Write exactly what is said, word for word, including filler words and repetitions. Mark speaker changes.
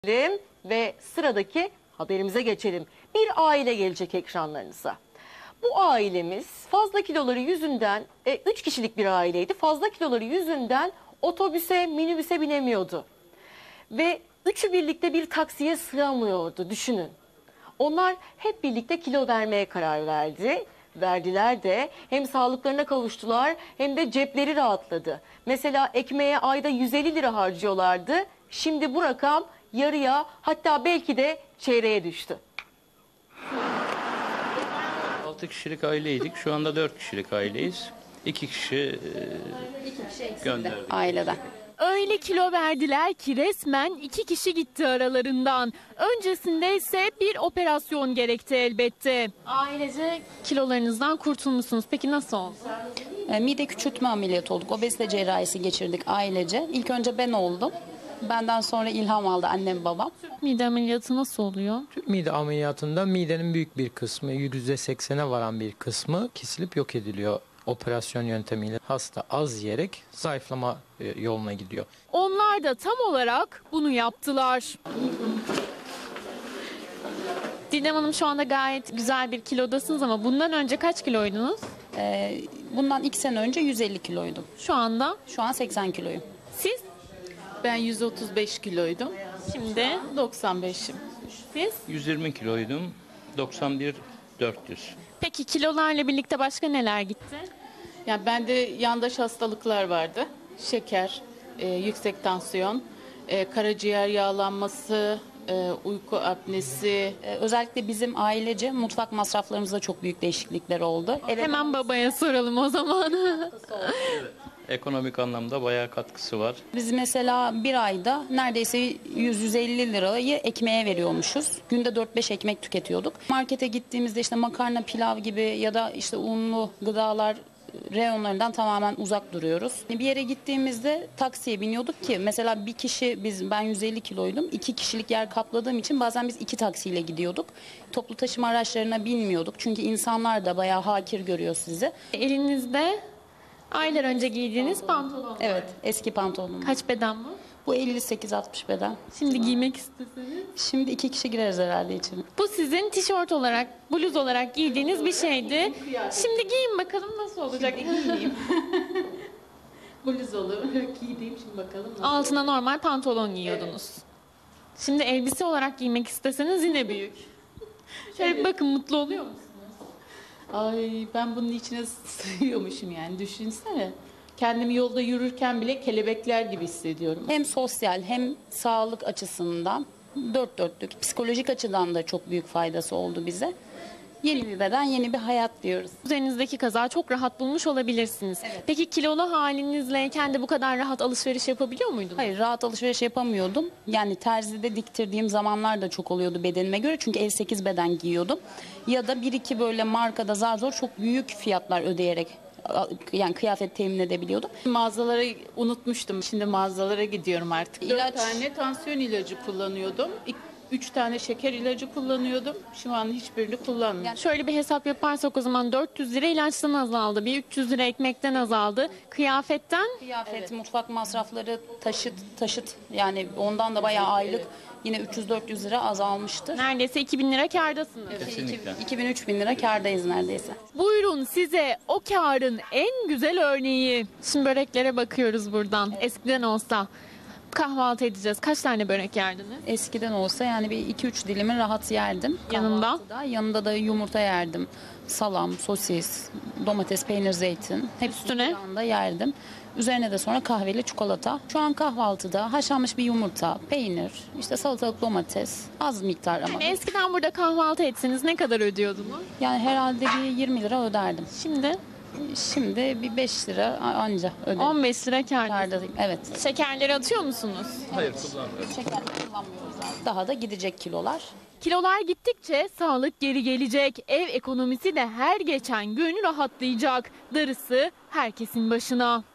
Speaker 1: Ve sıradaki haberimize geçelim. Bir aile gelecek ekranlarınıza. Bu ailemiz fazla kiloları yüzünden, e, üç kişilik bir aileydi. Fazla kiloları yüzünden otobüse, minibüse binemiyordu. Ve üçü birlikte bir taksiye sığamıyordu, düşünün. Onlar hep birlikte kilo vermeye karar verdi. Verdiler de hem sağlıklarına kavuştular hem de cepleri rahatladı. Mesela ekmeğe ayda yüz elli lira harcıyorlardı. Şimdi bu rakam yarıya, hatta belki de çeyreğe düştü.
Speaker 2: altı kişilik aileydik. Şu anda dört kişilik aileyiz. iki kişi e, gönderdik.
Speaker 3: Aileden.
Speaker 4: Öyle kilo verdiler ki resmen iki kişi gitti aralarından. Öncesinde ise bir operasyon gerekti elbette. Ailece kilolarınızdan kurtulmuşsunuz. Peki nasıl oldu?
Speaker 3: E, mide küçültme ameliyatı olduk. Obezite cerrahisi geçirdik ailece. İlk önce ben oldum. Benden sonra ilham aldı annem babam.
Speaker 4: Mide ameliyatı nasıl oluyor?
Speaker 5: Mide ameliyatında midenin büyük bir kısmı, yüzde seksene varan bir kısmı kesilip yok ediliyor. Operasyon yöntemiyle hasta az yiyerek zayıflama yoluna gidiyor.
Speaker 4: Onlar da tam olarak bunu yaptılar. Didem Hanım, şu anda gayet güzel bir kilodasınız ama bundan önce kaç kiloydunuz?
Speaker 3: E, bundan iki sene önce yüz elli kiloydum.
Speaker 4: Şu anda?
Speaker 3: Şu an seksen kiloyum.
Speaker 4: Siz?
Speaker 6: Ben yüz otuz beş kiloydum.
Speaker 4: Şimdi?
Speaker 6: doksan beşim.
Speaker 4: Siz?
Speaker 2: yüz yirmi kiloydum. doksan bir dört yüz.
Speaker 4: Peki kilolarla birlikte başka neler gitti?
Speaker 6: Yani bende yandaş hastalıklar vardı. Şeker, e, yüksek tansiyon, e, karaciğer yağlanması, e, uyku apnesi.
Speaker 3: E, özellikle bizim ailece mutfak masraflarımızda çok büyük değişiklikler oldu. Eve
Speaker 4: Hemen babaya soralım o zaman.
Speaker 2: Ekonomik anlamda bayağı katkısı var.
Speaker 3: Biz mesela bir ayda neredeyse yüz yüz elli lirayı ekmeğe veriyormuşuz. Günde dört beş ekmek tüketiyorduk. Markete gittiğimizde işte makarna, pilav gibi ya da işte unlu gıdalar reyonlarından tamamen uzak duruyoruz. Bir yere gittiğimizde taksiye biniyorduk ki mesela bir kişi, biz ben yüz elli kiloydum. iki kişilik yer kapladığım için bazen biz iki taksiyle gidiyorduk. Toplu taşıma araçlarına binmiyorduk. Çünkü insanlar da bayağı hakir görüyor sizi.
Speaker 4: Elinizde aylar önce giydiğiniz pantolon.
Speaker 3: Evet, eski pantolonum.
Speaker 4: Kaç beden bu?
Speaker 3: Bu elli sekiz altmış beden.
Speaker 4: Şimdi giymek isteseniz.
Speaker 3: Şimdi iki kişi gireriz herhalde için.
Speaker 4: Bu sizin tişört olarak, bluz olarak giydiğiniz bir şeydi. Şimdi giyin bakalım nasıl olacak.
Speaker 6: Giyeyim. Bluz olur. Giyeyim şimdi bakalım. Nasıl
Speaker 4: Altına normal pantolon giyiyordunuz. Şimdi elbise olarak giymek isteseniz yine büyük. Şöyle bir bakın, mutlu oluyor musunuz?
Speaker 6: Ay, ben bunun içine sığıyormuşum yani, düşünsene. Kendimi yolda yürürken bile kelebekler gibi hissediyorum.
Speaker 3: Hem sosyal hem sağlık açısından dört dörtlük. Psikolojik açıdan da çok büyük faydası oldu bize. Yeni bir beden, yeni bir hayat diyoruz.
Speaker 4: Üzerinizdeki kazağı çok rahat bulmuş olabilirsiniz.
Speaker 3: Evet.
Speaker 4: Peki kilolu halinizleyken de bu kadar rahat alışveriş yapabiliyor muydunuz?
Speaker 3: Hayır, rahat alışveriş yapamıyordum. Yani terzide diktirdiğim zamanlar da çok oluyordu bedenime göre. Çünkü elli sekiz beden giyiyordum. Ya da bir iki böyle markada zar zor çok büyük fiyatlar ödeyerek yani kıyafet temin edebiliyordum.
Speaker 6: Mağazalara unutmuştum. Şimdi mağazalara gidiyorum artık.
Speaker 3: İlaç.
Speaker 6: Dört tane tansiyon ilacı kullanıyordum. İk- Üç tane şeker ilacı kullanıyordum. Şu an hiçbirini kullanmıyorum.
Speaker 3: Yani
Speaker 4: Şöyle bir hesap yaparsak o zaman dört yüz lira ilaçtan azaldı. Bir üç yüz lira ekmekten azaldı. Kıyafetten
Speaker 3: kıyafet, mutfak masrafları, taşıt, taşıt yani ondan da bayağı aylık yine üç yüz dört yüz lira azalmıştır.
Speaker 4: neredeyse iki bin lira kârdasınız.
Speaker 2: Kesinlikle.
Speaker 3: iki bin üç bin lira kârdayız neredeyse.
Speaker 4: Buyurun size o kârın en güzel örneği. Şimdi böreklere bakıyoruz buradan. Eskiden olsa kahvaltı edeceğiz. Kaç tane börek yerdiniz?
Speaker 3: Eskiden olsa yani bir iki üç dilimi rahat yerdim.
Speaker 4: Yanında?
Speaker 3: Kahvaltıda. Yanında da yumurta yerdim. Salam, sosis, domates, peynir, zeytin. Hepsini
Speaker 4: Üstüne?
Speaker 3: bir anda yerdim. Üzerine de sonra kahveli çikolata. Şu an kahvaltıda haşlanmış bir yumurta, peynir, işte salatalık, domates, az miktar ama.
Speaker 4: Yani eskiden burada kahvaltı etseniz ne kadar ödüyordunuz?
Speaker 3: Yani herhalde bir yirmi lira öderdim.
Speaker 4: Şimdi
Speaker 3: Şimdi bir beş lira anca ödedim.
Speaker 4: on beş lira kârdasınız.
Speaker 3: Kârdayım. Evet.
Speaker 4: Şekerleri atıyor musunuz?
Speaker 2: Hayır, kullanmıyoruz.
Speaker 3: Şeker kullanmıyoruz abi. Daha da gidecek kilolar.
Speaker 4: Kilolar gittikçe sağlık geri gelecek. Ev ekonomisi de her geçen gün rahatlayacak. Darısı herkesin başına.